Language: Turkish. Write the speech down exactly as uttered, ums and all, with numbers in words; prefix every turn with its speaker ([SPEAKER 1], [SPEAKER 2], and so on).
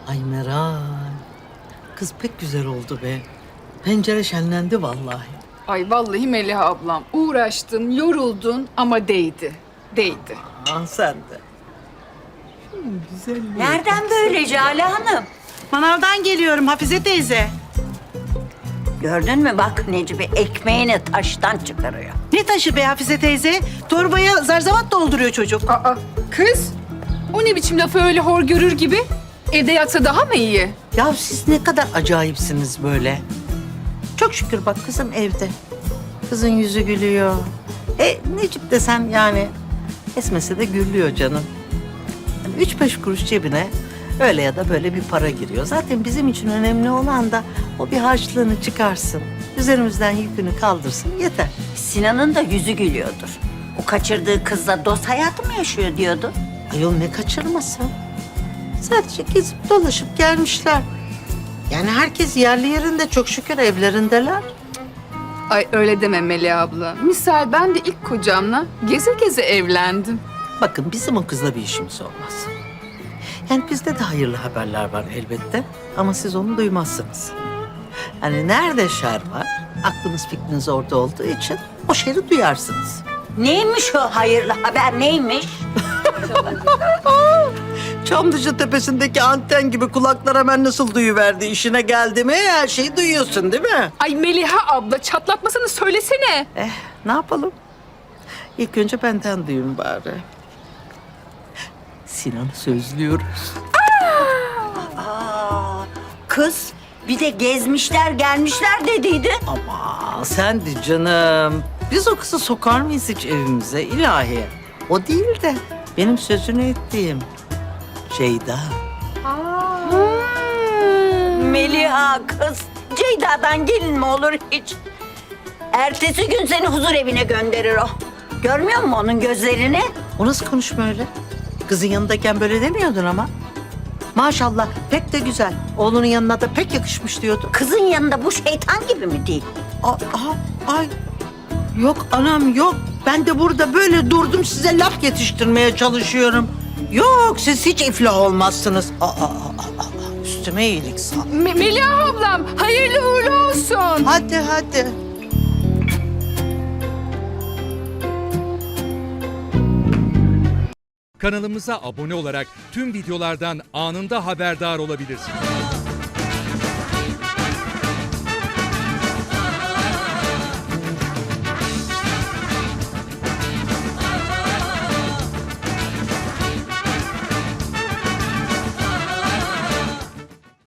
[SPEAKER 1] Ay Meral. Kız pek güzel oldu be. Pencere şenlendi vallahi.
[SPEAKER 2] Ay vallahi Melih ablam uğraştın, yoruldun ama değdi. Değdi.
[SPEAKER 1] Aa, sen de. Şunun güzelliği.
[SPEAKER 3] Nereden böyle Jale Hanım?
[SPEAKER 4] Manavdan geliyorum Hafize teyze.
[SPEAKER 3] Gördün mü bak Necmi ekmeğini taştan çıkarıyor.
[SPEAKER 4] Ne taşı be Hafize teyze? Torbaya zarzavat dolduruyor çocuk.
[SPEAKER 2] Aa kız o ne biçim lafı öyle hor görür gibi? Evde yatsa daha mı iyi?
[SPEAKER 1] Ya siz ne kadar acayipsiniz böyle. Çok şükür bak kızım evde. Kızın yüzü gülüyor. E Necip desem yani esmese de gülüyor canım. Yani üç beş kuruş cebine öyle ya da böyle bir para giriyor. Zaten bizim için önemli olan da o bir harçlığını çıkarsın. Üzerimizden yükünü kaldırsın yeter.
[SPEAKER 3] Sinan'ın da yüzü gülüyordur. O kaçırdığı kızla dost hayatı mı yaşıyor diyordu.
[SPEAKER 1] Ayol ne kaçırması? Sadece gezip dolaşıp gelmişler. Yani herkes yerli yerinde çok şükür evlerindeler.
[SPEAKER 2] Ay öyle deme Melih abla. Misal ben de ilk kocamla geze geze evlendim.
[SPEAKER 1] Bakın bizim o kızla bir işimiz olmaz. Yani bizde de hayırlı haberler var elbette ama siz onu duymazsınız. Yani nerede şer var, aklınız fikriniz orada olduğu için o şeri duyarsınız.
[SPEAKER 3] Neymiş o hayırlı haber neymiş?
[SPEAKER 1] Çamlıca tepesindeki anten gibi kulaklar hemen nasıl duyuverdi işine geldi mi her şeyi duyuyorsun değil mi?
[SPEAKER 2] Ay Meliha abla çatlatmasını söylesene.
[SPEAKER 1] Eh ne yapalım? İlk önce benden duyun bari. Sinan'ı sözlüyoruz.
[SPEAKER 3] Aa, kız bir de gezmişler gelmişler dediydi.
[SPEAKER 1] Ama sen de canım. Biz o kızı sokar mıyız hiç evimize ilahi? O değil de benim sözünü ettiğim Ceyda.
[SPEAKER 3] Meliha kız Ceyda'dan gelin mi olur hiç? Ertesi gün seni huzur evine gönderir o. Görmüyor musun onun gözlerini?
[SPEAKER 1] O nasıl konuşma öyle? Kızın yanındayken böyle demiyordun ama. Maşallah pek de güzel. Oğlunun yanına da pek yakışmış diyordun.
[SPEAKER 3] Kızın yanında bu şeytan gibi mi değil?
[SPEAKER 1] Aa, aa, ay. Yok anam yok. Ben de burada böyle durdum size laf yetiştirmeye çalışıyorum. Yok siz hiç iflah olmazsınız. Aa, aa, aa, aa. Üstüme iyilik sağ.
[SPEAKER 2] Me- Meliha ablam hayırlı uğurlu olsun.
[SPEAKER 1] Hadi hadi.
[SPEAKER 5] Kanalımıza abone olarak tüm videolardan anında haberdar olabilirsiniz.